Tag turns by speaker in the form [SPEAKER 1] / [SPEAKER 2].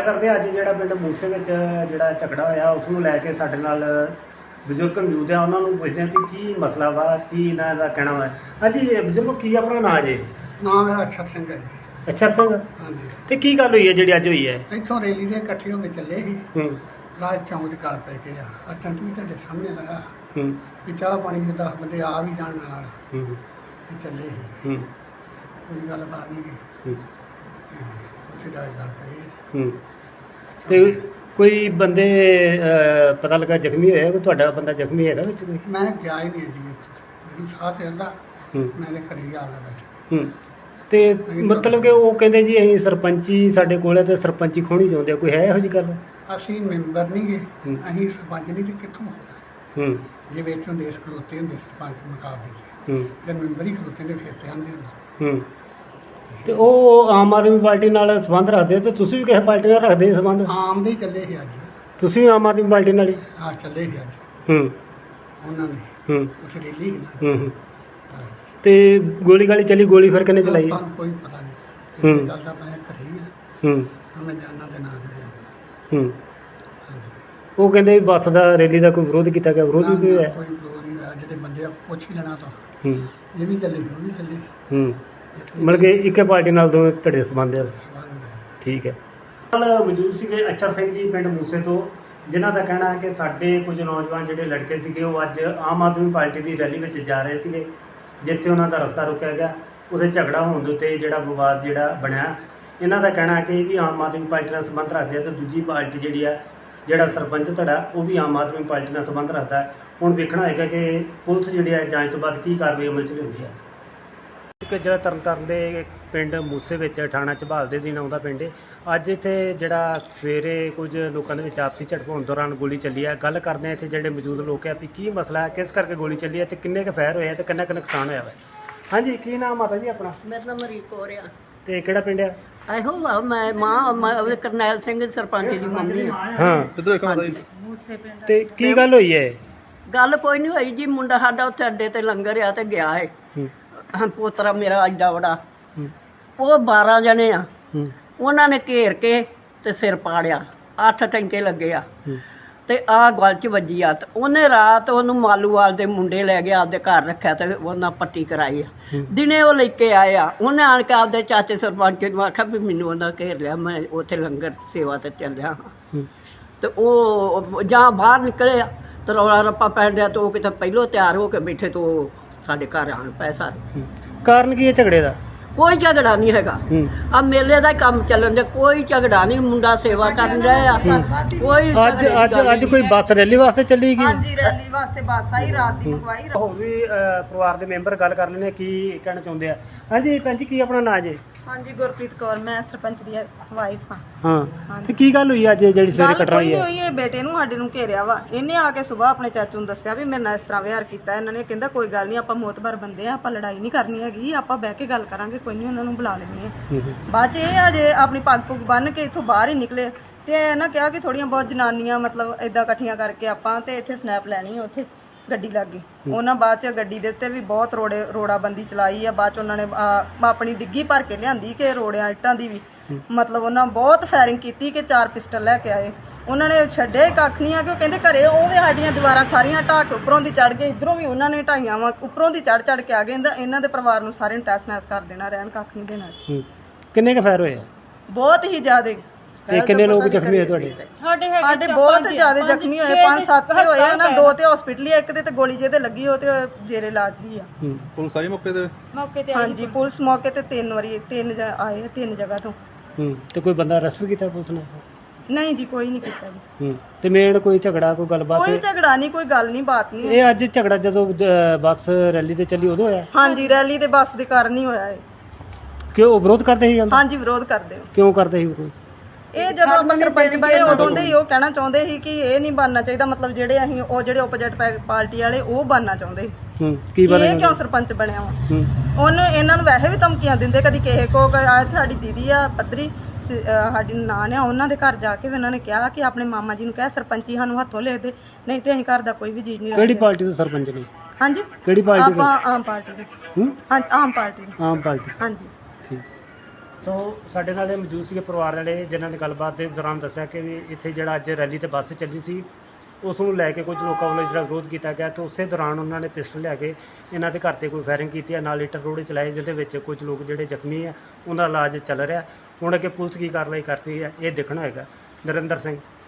[SPEAKER 1] ਕਰਦੇ ਅੱਜ ਜਿਹੜਾ ਪਿੰਡ ਮੂਸੇ ਵਿੱਚ ਜਿਹੜਾ ਝਗੜਾ ਹੋਇਆ ਉਸ ਨੂੰ ਲੈ ਕੇ ਸਾਡੇ ਨਾਲ ਬਜ਼ੁਰਗ ਮੌਜੂਦ ਆ। ਉਹਨਾਂ ਨੂੰ ਪੁੱਛਦੇ ਹਾਂ ਕਿ ਕੀ ਮਸਲਾ ਵਾ, ਕੀ ਇਹਨਾਂ ਦਾ ਕਹਿਣਾ ਵਾ। ਹਾਂਜੀ ਬਜ਼ੁਰਗ, ਕੀ ਆਪਣਾ ਨਾਂ ਜੇ?
[SPEAKER 2] ਨਾਮ ਮੇਰਾ ਅਛਰ ਸਿੰਘ ਹੈ ਜੀ।
[SPEAKER 1] ਅਛਰ ਸਿੰਘ।
[SPEAKER 2] ਹਾਂਜੀ।
[SPEAKER 1] ਤੇ ਕੀ ਗੱਲ ਹੋਈ ਹੈ ਜਿਹੜੀ ਅੱਜ ਹੋਈ ਹੈ?
[SPEAKER 2] ਇੱਥੋਂ ਰੈਲੀ ਦੇ ਇਕੱਠੇ ਹੋ ਕੇ ਚੱਲੇ ਸੀ। ਰਾਜ ਚੌਂਕ 'ਚ ਗੱਲ ਪੈ ਗਏ ਆ ਟੈਂਟ ਵੀ ਤੁਹਾਡੇ ਸਾਹਮਣੇ ਲਗਾ ਵੀ ਚਾਹ ਪਾਣੀ ਦੇ 10 ਬੰਦੇ ਆ ਵੀ ਜਾਣ ਨਾਲ ਤੇ ਚੱਲੇ ਸੀ। ਕੋਈ ਗੱਲਬਾਤ ਨਹੀਂ ਗਈ ਤੇ ਉੱਥੇ ਜਾ ਕੇ ਗੱਲ ਪੈ ਗਈ।
[SPEAKER 1] ਤੇ ਕੋਈ ਬੰਦੇ ਪਤਾ ਲੱਗਾ ਜ਼ਖਮੀ ਹੋਇਆ? ਕੋਈ ਤੁਹਾਡਾ ਬੰਦਾ ਜ਼ਖਮੀ ਹੈਗਾ ਵਿੱਚ ਕੋਈ?
[SPEAKER 2] ਮੈਂ ਗਿਆ ਹੀ ਨਹੀਂ ਜੀ ਉੱਥੇ, ਮੈਨੂੰ ਸਾਹ ਚੜਦਾ, ਮੈਂ ਤੇ ਘਰੇ ਹੀ ਆ ਗਿਆ ਬੈਠਾ।
[SPEAKER 1] ਤੇ ਮਤਲਬ ਕਿ ਉਹ ਕਹਿੰਦੇ ਜੀ ਅਸੀਂ ਸਰਪੰਚੀ ਸਾਡੇ ਕੋਲ ਹੈ ਤੇ ਸਰਪੰਚੀ ਖੋਣੀ ਚਾਹੁੰਦੇ ਆ, ਕੋਈ ਹੈ ਇਹੋ ਜਿਹੀ ਗੱਲ?
[SPEAKER 2] ਅਸੀਂ ਮੈਂਬਰ ਨਹੀਂ ਗਏ, ਅਸੀਂ ਸਰਪੰਚ ਨਹੀਂ ਤੇ ਕਿੱਥੋਂ ਹੋਣਾ? ਜੇ ਵਿੱਚੋਂ ਦੇਸ਼ ਖਲੋਤੇ ਹੁੰਦੇ ਸਰਪੰਚ ਮੁਕਾਬਲੇ ਜੇ ਮੈਂਬਰ ਹੀ ਖਲੋਤੇ ਹੁੰਦੇ ਫਿਰ ਤੇ ਆਉਂਦੇ ਹੁੰਦਾ।
[SPEAKER 1] ਤੇ ਉਹ ਆਮ ਆਦਮੀ ਪਾਰਟੀ ਨਾਲ ਸੰਬੰਧ ਰੱਖਦੇ ਤੇ ਤੁਸੀਂ ਵੀ ਕਿਸੇ ਪਾਰਟੀ ਨਾਲ ਰੱਖਦੇ ਸੰਬੰਧ?
[SPEAKER 2] ਆਮ ਦੇ ਹੀ ਚੱਲੇ ਸੀ ਅੱਜ।
[SPEAKER 1] ਤੁਸੀਂ ਵੀ ਆਮ ਆਦਮੀ ਪਾਰਟੀ ਨਾਲ ਹੀ?
[SPEAKER 2] ਹਾਂ ਚੱਲੇ ਸੀ ਅੱਜ। ਉਹਨਾਂ ਨੇ ਉੱਥੇ ਰੈਲੀ ਸੀ ਨਾ।
[SPEAKER 1] ਤੇ ਗੋਲੀ ਗਾਲੀ ਚੱਲੀ? ਗੋਲੀ ਫਿਰ ਕਿਹਨੇ ਚਲਾਈ?
[SPEAKER 2] ਕੋਈ ਪਤਾ ਨਹੀਂ ਇਸ ਗੱਲ ਦਾ। ਮੈਂ ਘਰੇ ਹੀ ਆ, ਮੈਂ ਜਾਣਾ ਤੇ ਨਾ ਕਰਿਆ।
[SPEAKER 1] ਉਹ ਕਹਿੰਦੇ ਵੀ ਬੱਸ ਦਾ ਰੈਲੀ ਦਾ ਕੋਈ ਵਿਰੋਧ ਕੀਤਾ ਗਿਆ? ਵਿਰੋਧ ਵੀ ਹੋਇਆ?
[SPEAKER 2] ਕੋਈ ਵਿਰੋਧ ਨਹੀਂ ਹੋਇਆ। ਜਿਹੜੇ ਬੰਦੇ ਆ ਪੁੱਛ ਹੀ ਲੈਣਾ ਤਾਂ ਇਹ ਵੀ ਚੱਲੇ ਉਹ ਵੀ ਚੱਲੇ।
[SPEAKER 1] ਮਤਲਬ ਕਿ ਇੱਕੇ ਪਾਰਟੀ ਨਾਲ ਦੋਵੇਂ ਤੁਹਾਡੇ ਸੰਬੰਧ ਆ? ਠੀਕ ਹੈ। ਨਾਲ ਮੌਜੂਦ ਸੀਗੇ ਅਛਰ ਸਿੰਘ ਜੀ ਪਿੰਡ ਮੂਸੇ ਤੋਂ, ਜਿਨ੍ਹਾਂ ਦਾ ਕਹਿਣਾ ਹੈ ਕਿ ਸਾਡੇ ਕੁਝ ਨੌਜਵਾਨ ਜਿਹੜੇ ਲੜਕੇ ਸੀਗੇ ਉਹ ਅੱਜ ਆਮ ਆਦਮੀ ਪਾਰਟੀ ਦੀ ਰੈਲੀ ਵਿੱਚ ਜਾ ਰਹੇ ਸੀਗੇ, ਜਿੱਥੇ ਉਹਨਾਂ ਦਾ ਰਸਤਾ ਰੁਕਿਆ ਗਿਆ। ਉੱਥੇ ਝਗੜਾ ਹੋਣ ਦੇ ਉੱਤੇ ਜਿਹੜਾ ਵਿਵਾਦ ਜਿਹੜਾ ਬਣਿਆ। ਇਹਨਾਂ ਦਾ ਕਹਿਣਾ ਹੈ ਕਿ ਵੀ ਆਮ ਆਦਮੀ ਪਾਰਟੀ ਨਾਲ ਸੰਬੰਧ ਰੱਖਦੇ ਆ ਤੇ ਦੂਜੀ ਪਾਰਟੀ ਜਿਹੜੀ ਆ, ਜਿਹੜਾ ਸਰਪੰਚ ਧੜਾ ਉਹ ਵੀ ਆਮ ਆਦਮੀ ਪਾਰਟੀ ਨਾਲ ਸੰਬੰਧ ਰੱਖਦਾ। ਹੁਣ ਵੇਖਣਾ ਹੋਏਗਾ ਕਿ ਪੁਲਿਸ ਜਿਹੜੀ ਹੈ ਜਾਂਚ ਤੋਂ ਬਾਅਦ ਕੀ ਕਾਰਵਾਈ ਅਮਲ 'ਚ ਲਿਆਉਂਦੀ ਹੈ। ਇੱਕ ਜਿਹੜਾ ਤਰਨਤਾਰਨ ਦੇ ਪਿੰਡ ਮੂਸੇ ਵਿੱਚ ਥਾਣਾ ਝਬਾਲ ਦੇ ਦਿਨ ਆਉਂਦਾ ਪਿੰਡ, ਅੱਜ ਇੱਥੇ ਜਿਹੜਾ ਸਵੇਰੇ ਕੁਝ ਲੋਕਾਂ ਦੇ ਵਿੱਚ ਆਪਸੀ ਝੜਪ ਹੋਣ ਦੌਰਾਨ ਗੋਲੀ ਚੱਲੀ ਹੈ। ਗੱਲ ਕਰਦੇ ਹਾਂ ਇੱਥੇ ਜਿਹੜੇ ਮੌਜੂਦ ਲੋਕ ਆ ਵੀ ਕੀ ਮਸਲਾ ਹੈ, ਕਿਸ ਕਰਕੇ ਗੋਲੀ ਚੱਲੀ ਹੈ ਤੇ ਕਿੰਨੇ ਕੁ ਫਾਇਰ ਹੋਇਆ ਤੇ ਕਿੰਨਾ ਕੁ ਨੁਕਸਾਨ ਹੋਇਆ ਵਾ। ਹਾਂਜੀ, ਕੀ ਨਾਮ ਮਾਤਾ ਜੀ ਆਪਣਾ?
[SPEAKER 3] ਮੇਰਾ ਨਾਮ ਮਰੀਕ ਕੌਰ ਆ।
[SPEAKER 1] ਤੇ ਕਿਹੜਾ ਪਿੰਡ ਆ?
[SPEAKER 3] ਇਹੋ ਆ, ਮੈਂ ਮਾਂ ਕਰਨੈਲ ਸਿੰਘ ਸਰਪੰਚ ਦੀ ਮੰਮੀ ਆ।
[SPEAKER 1] ਹਾਂ, ਤੇ ਕੀ ਗੱਲ ਹੋਈ ਹੈ?
[SPEAKER 3] ਗੱਲ ਕੋਈ ਨਹੀਂ ਹੋਈ ਜੀ। ਮੁੰਡਾ ਸਾਡਾ ਉੱਥੇ ਅੱਡੇ ਤੇ ਲੰਗਰ ਆ ਤੇ ਗਿਆ ਹੈ। ਪੋਤਰਾ ਮੇਰਾ ਐਡਾ ਬੜਾ, ਉਹ 12 ਜਣੇ ਆ। ਉਹਨਾਂ ਨੇ ਘੇਰ ਕੇ ਤੇ ਸਿਰ ਪਾੜਿਆ, 8 ਟੈਂਕੇ ਲੱਗੇ ਆ ਤੇ ਆਹ ਗਲ 'ਚ ਵੱਜੀ ਆ। ਤੇ ਉਹਨੇ ਰਾਤ ਉਹਨੂੰ ਮਾਲੂਵਾਲ ਦੇ ਮੁੰਡੇ ਲੈ ਗਿਆ, ਆਪਦੇ ਘਰ ਰੱਖਿਆ ਤੇ ਉਹਨਾਂ ਪੱਟੀ ਕਰਾਈ ਆ। ਦਿਨੇ ਉਹ ਲੈ ਕੇ ਆਏ ਆ। ਉਹਨੇ ਆਣ ਕੇ ਆਪਦੇ ਚਾਚੇ ਸਰਪੰਚ ਨੂੰ ਆਖਿਆ ਵੀ ਮੈਨੂੰ ਉਹਨਾਂ ਘੇਰ ਲਿਆ, ਮੈਂ ਉੱਥੇ ਲੰਗਰ ਸੇਵਾ ਤੇ ਚੱਲਿਆ ਹਾਂ। ਤੇ ਉਹ ਜਾਂ ਬਾਹਰ ਨਿਕਲੇ ਆ ਤੇ ਰੌਲਾ ਰੱਪਾ ਪੈਣ ਡਿਆ ਤੇ ਉਹ ਕਿਤੇ ਪਹਿਲੋਂ ਤਿਆਰ ਹੋ ਕੇ ਬੈਠੇ ਤੇ ਉਹ ਸਾਡੇ ਘਰ ਆਣ ਪਏ ਸਾਰੇ।
[SPEAKER 1] ਕਾਰਨ ਕੀ ਹੈ ਝਗੜੇ ਦਾ?
[SPEAKER 3] ਕੋਈ ਝਗੜਾ ਨਹੀਂ ਹੈਗਾ। ਆ ਮੇਲੇ ਦਾ ਕੰਮ ਚੱਲਣ ਦੇ, ਕੋਈ ਝਗੜਾ ਨਹੀਂ। ਮੁੰਡਾ ਸੇਵਾ ਕਰਨ ਰਿਹਾ ਆ। ਕੋਈ
[SPEAKER 1] ਅੱਜ ਕੋਈ ਬੱਸ ਰੈਲੀ ਵਾਸਤੇ ਚੱਲੀ ਗਈ?
[SPEAKER 4] ਹਾਂਜੀ, ਰੈਲੀ ਵਾਸਤੇ ਬੱਸ ਆਈ, ਰਾਤ ਦੀ ਮੰਗਵਾਈ।
[SPEAKER 1] ਹੋਰ ਵੀ ਪਰਿਵਾਰ ਦੇ ਮੈਂਬਰ ਗੱਲ ਕਰ ਲੈਣੇ ਕੀ ਕਹਿਣਾ ਚਾਹੁੰਦੇ ਆ। ਹਾਂਜੀ ਭੈਣ ਜੀ, ਕੀ ਆਪਣਾ ਨਾਂ ਜੇ?
[SPEAKER 4] ਹਾਂਜੀ, ਗੁਰਪ੍ਰੀਤ ਕੌਰ, ਮੈਂ ਸਰਪੰਚ ਦੀ ਵਾਈਫ ਹਾਂ।
[SPEAKER 1] ਹਾਂ, ਤੇ ਕੀ ਗੱਲ ਹੋਈ ਅੱਜ ਜਿਹੜੀ ਸਵੇਰੇ ਕਟਰਾ ਹੋਈ ਹੈ?
[SPEAKER 4] ਹੋਈ ਹੈ, ਬੇਟੇ ਨੂੰ ਸਾਡੇ ਨੂੰ ਘੇਰਿਆ ਵਾ। ਇਹਨੇ ਆ ਕੇ ਸਵੇਰ ਆਪਣੇ ਚਾਚੂ ਨੂੰ ਦੱਸਿਆ ਵੀ ਮੇਰੇ ਨਾਲ ਇਸ ਤਰ੍ਹਾਂ ਵਿਹਾਰ ਕੀਤਾ ਇਹਨਾਂ ਨੇ। ਕਹਿੰਦਾ ਕੋਈ ਗੱਲ ਨਹੀਂ, ਆਪਾਂ ਮੋਤਬਰ ਬੰਦੇ ਆ, ਆਪਾਂ ਲੜਾਈ ਨਹੀਂ ਕਰਨੀ ਹੈਗੀ, ਆਪਾਂ ਬਹਿ ਕੇ ਗੱਲ ਕਰਾਂਗੇ, ਕੋਈ ਨਹੀਂ, ਉਹਨਾਂ ਨੂੰ ਬੁਲਾ ਲੈਂਦੇ ਆ। ਬਾਅਦ ਚ ਇਹ ਅਜੇ ਆਪਣੀ ਪੱਗ ਪੁੱਗ ਬੰਨ ਕੇ ਇੱਥੋਂ ਬਾਹਰ ਹੀ ਨਿਕਲੇ ਤੇ ਇਹਨਾਂ ਕਿਹਾ ਕਿ ਥੋੜੀਆਂ ਬਹੁਤ ਜਨਾਨੀਆਂ ਮਤਲਬ ਏਦਾਂ ਇਕੱਠੀਆਂ ਕਰਕੇ ਆਪਾਂ ਤੇ ਇੱਥੇ ਸਨੈਪ ਲੈਣੀ ਆ ਉੱਥੇ ਗੱਡੀ ਲੱਗ ਗਈ। ਉਹਨਾਂ ਬਾਅਦ ਚ ਗੱਡੀ ਦੇ ਉੱਤੇ ਵੀ ਬਹੁਤ ਰੋੜਾਬੰਦੀ ਚਲਾਈ ਆ। ਬਾਅਦ ਚ ਉਹਨਾਂ ਨੇ ਆਪਣੀ ਡਿੱਗੀ ਭਰ ਕੇ ਲਿਆਂਦੀ ਕਿ ਰੋੜਿਆਂ ਇੱਟਾਂ ਦੀ ਵੀ ਮਤਲਬ ਉਹਨਾਂ ਬਹੁਤ ਫਾਇਰਿੰਗ ਕੀਤੀ ਕਿ 4 ਪਿਸਟਲ ਲੈ ਕੇ ਆਏ। ਉਹਨਾਂ ਨੇ ਛੱਡੇ ਕੱਖ ਨਹੀਂ ਆ ਕਿ ਉਹ ਕਹਿੰਦੇ ਘਰੇ ਉਹ ਵੀ ਸਾਡੀਆਂ ਦੀਵਾਰਾਂ ਸਾਰੀਆਂ ਢਾਹ ਕੇ ਉੱਪਰੋਂ ਦੀ ਚੜ੍ਹ ਗਏ, ਇੱਧਰੋਂ ਵੀ ਉਹਨਾਂ ਨੇ ਢਾਈਆਂ ਵਾ, ਉੱਪਰੋਂ ਦੀ ਚੜ੍ਹ ਕੇ ਆ ਗਏ। ਇਹਨਾਂ ਦੇ ਪਰਿਵਾਰ ਨੂੰ ਸਾਰਿਆਂ ਨੂੰ ਟੈਸ ਨੈਸ ਕਰ ਦੇਣਾ, ਰਹਿਣ ਕੱਖ ਨਹੀਂ ਦੇਣਾ।
[SPEAKER 1] ਕਿੰਨੇ ਕੁ ਫਾਇਰ ਹੋਏ?
[SPEAKER 4] ਬਹੁਤ ਹੀ ਜ਼ਿਆਦਾ।
[SPEAKER 1] ਤੇ ਕਿੰਨੇ ਲੋਕ ਜ਼ਖਮੀ ਹੋਏ ਤੁਹਾਡੇ?
[SPEAKER 4] ਸਾਡੇ ਬਹੁਤ ਜ਼ਿਆਦਾ ਜ਼ਖਮੀ ਹੋਏ, 5-7 ਤੇ ਹੋਏ ਉਹਨਾਂ, 2 ਤੇ ਹਸਪੀਟਲ ਹੀ, ਇੱਕ ਤੇ ਗੋਲੀ ਜਿਹਦੇ ਲੱਗੀ ਉਹ ਤੇ ਜੇਰੇ ਇਲਾਜ ਵੀ ਆ।
[SPEAKER 5] ਪੁਲਿਸ ਆਈ ਮੌਕੇ ਤੇ?
[SPEAKER 4] ਹਾਂਜੀ, ਪੁਲਿਸ ਮੌਕੇ ਤੇ 3 ਵਾਰੀ ਆਏ, 3 ਜਗ੍ਹਾ ਤੋਂ।
[SPEAKER 1] ਤੇ ਕੋਈ ਬੰਦਾ ਅਰੈਸਟ ਵੀ ਕੀਤਾ ਪੁਲਿਸ ਨੇ?
[SPEAKER 4] ਨਹੀਂ ਜੀ, ਕੋਈ ਨਹੀਂ ਕੀਤਾ ਜੀ।
[SPEAKER 1] ਤੇ ਮੇਨ ਕੋਈ ਝਗੜਾ, ਕੋਈ ਗੱਲਬਾਤ?
[SPEAKER 4] ਕੋਈ ਝਗੜਾ ਨਹੀਂ, ਕੋਈ ਗੱਲ ਨਹੀਂ, ਬਾਤ ਨਹੀਂ।
[SPEAKER 1] ਇਹ ਅੱਜ ਝਗੜਾ ਜਦੋਂ ਬੱਸ ਰੈਲੀ ਤੇ ਚੱਲੀ ਉਦੋਂ ਹੋਇਆ?
[SPEAKER 4] ਹਾਂਜੀ, ਰੈਲੀ ਤੇ ਬੱਸ ਦੇ ਕਾਰਨ ਹੀ ਹੋਇਆ ਇਹ।
[SPEAKER 1] ਕਿਉਂ ਵਿਰੋਧ ਕਰਦੇ ਸੀ?
[SPEAKER 4] ਹਾਂਜੀ, ਵਿਰੋਧ ਕਰਦੇ ਹੋ।
[SPEAKER 1] ਕਿਉਂ ਕਰਦੇ ਸੀ ਵਿਰੋਧ?
[SPEAKER 4] ਇਹ ਜਦੋਂ ਆਪਾਂ ਸਰਪੰਚ ਬਣੇ ਉਦੋਂ ਦੇ ਹੀ ਉਹ ਕਹਿਣਾ ਚਾਹੁੰਦੇ ਸੀ ਕਿ ਇਹ ਨਹੀਂ ਬਣਨਾ ਚਾਹੀਦਾ, ਮਤਲਬ ਜਿਹੜੇ ਅਸੀਂ ਉਹ ਜਿਹੜੇ ਓਪੋਜਿਟ ਪਾਰਟੀ ਵਾਲੇ ਉਹ ਬਣਨਾ ਚਾਹੁੰਦੇ ਸੀ।
[SPEAKER 1] ਕੀ ਬਣੇ?
[SPEAKER 4] ਇਹ ਕਿਉਂ ਸਰਪੰਚ ਬਣਿਆ ਵਾ? ਉਹਨੂੰ ਇਹਨਾਂ ਨੂੰ ਵੈਸੇ ਵੀ ਧਮਕੀਆਂ ਦਿੰਦੇ, ਕਦੀ ਕਿਸੇ ਕੋ ਸਾਡੀ ਦੀਦੀ ਆ ਪੱਧਰੀ ਸਾਡੀ ਨਾਨ ਆ, ਉਹਨਾਂ ਦੇ ਘਰ ਜਾ ਕੇ ਵੀ ਉਹਨਾਂ ਨੇ ਕਿਹਾ ਕਿ ਆਪਣੇ ਮਾਮਾ ਜੀ ਨੂੰ ਕਹਿ ਸਰਪੰਚੀ ਸਾਨੂੰ ਹੱਥੋਂ ਲੈ ਦੇ, ਨਹੀਂ ਤੇ ਅਸੀਂ ਘਰ ਦਾ ਕੋਈ ਵੀ ਚੀਜ਼ ਨਹੀਂ।
[SPEAKER 1] ਕਿਹੜੀ ਪਾਰਟੀ ਦੇ ਸਰਪੰਚ ਨੇ?
[SPEAKER 4] ਹਾਂਜੀ,
[SPEAKER 1] ਕਿਹੜੀ ਪਾਰਟੀ ਦੇ?
[SPEAKER 4] ਆਪਾਂ ਆਮ ਪਾਰਟੀ ਦੇ। ਹਾਂ, ਆਮ ਪਾਰਟੀ। ਹਾਂਜੀ।
[SPEAKER 1] ਠੀਕ।
[SPEAKER 4] ਤੇ
[SPEAKER 1] ਕਿੰਨੇ ਕੁ ਫਾਇਰ ਹੋਏ?
[SPEAKER 4] ਬਹੁਤ ਹੀ ਜ਼ਿਆਦਾ।
[SPEAKER 1] ਸੋ ਸਾਡੇ ਨਾਲ ਇਹ ਮੌਜੂਦ ਸੀਗੇ ਪਰਿਵਾਰ ਵਾਲੇ, ਜਿਨ੍ਹਾਂ ਨੇ ਗੱਲਬਾਤ ਦੇ ਦੌਰਾਨ ਦੱਸਿਆ ਕਿ ਵੀ ਇੱਥੇ ਜਿਹੜਾ ਅੱਜ ਰੈਲੀ ਤੇ ਬੱਸ ਚੱਲੀ ਸੀ ਉਸ ਨੂੰ ਲੈ ਕੇ ਕੁਝ ਲੋਕਾਂ ਵੱਲੋਂ ਜਿਹੜਾ ਵਿਰੋਧ ਕੀਤਾ ਗਿਆ ਤੇ ਉਸੇ ਦੌਰਾਨ ਉਹਨਾਂ ਨੇ ਪਿਸਟਲ ਲਿਆ ਕੇ ਇਹਨਾਂ ਦੇ ਘਰ ਤੇ ਕੋਈ ਫਾਇਰਿੰਗ ਕੀਤੀ ਹੈ, ਨਾਲ ਇੱਟ ਰੋੜੇ ਚਲਾਏ, ਜਿਹਦੇ ਵਿੱਚ ਕੁਝ ਲੋਕ ਜਿਹੜੇ ਜ਼ਖਮੀ ਆ ਉਹਨਾਂ ਦਾ ਇਲਾਜ ਚੱਲ ਰਿਹਾ। ਹੁਣ ਅੱਗੇ ਪੁਲਿਸ ਕੀ ਕਾਰਵਾਈ ਕਰਦੀ ਹੈ ਇਹ ਦੇਖਣਾ ਹੋਏਗਾ। ਨਰਿੰਦਰ ਸਿੰਘ,